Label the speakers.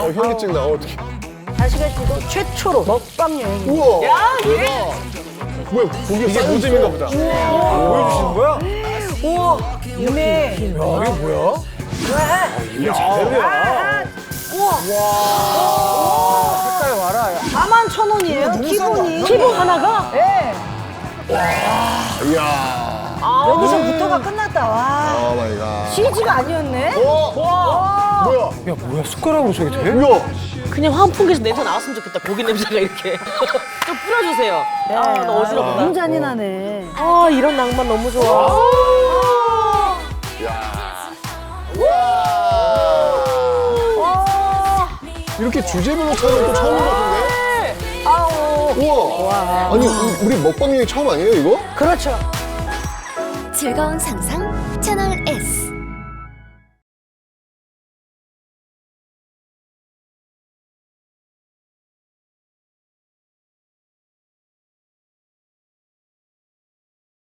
Speaker 1: 현기증 나. 어떻게?
Speaker 2: 다시가 씨도 최초로 먹방 여행.
Speaker 1: 우와.
Speaker 3: 야, 이게
Speaker 1: 뭐야? 고기
Speaker 4: 이게 모듬인가 보다. 보여주시는 거야?
Speaker 2: 우와, 유미.
Speaker 4: 야, 이게 뭐야? 이게 제대로야. 색깔 와라.
Speaker 2: 41,000원이에요, 기본이.
Speaker 3: 기본 하나가?
Speaker 2: 예.
Speaker 1: 이야.
Speaker 2: 여기서부터가 끝났다, 와.
Speaker 1: 오 마이 갓.
Speaker 2: CG가 아니었네?
Speaker 1: 뭐야?
Speaker 4: 야, 뭐야? 숟가락으로 저게 돼?
Speaker 1: 우와.
Speaker 3: 그냥 환풍기에서 냄새 나왔으면 좋겠다. 고기 냄새가 이렇게. 좀 뿌려주세요. 아, 나 어지럽다.
Speaker 2: 너무 잔인하네.
Speaker 3: 아, 이런 낭만 너무 좋아.
Speaker 1: 이렇게 주제별로 차는 또 처음인 것 같은데? 우와. 아니, 우리 먹방 여행 처음 아니에요, 이거?
Speaker 2: 그렇죠.
Speaker 5: 즐거운 상상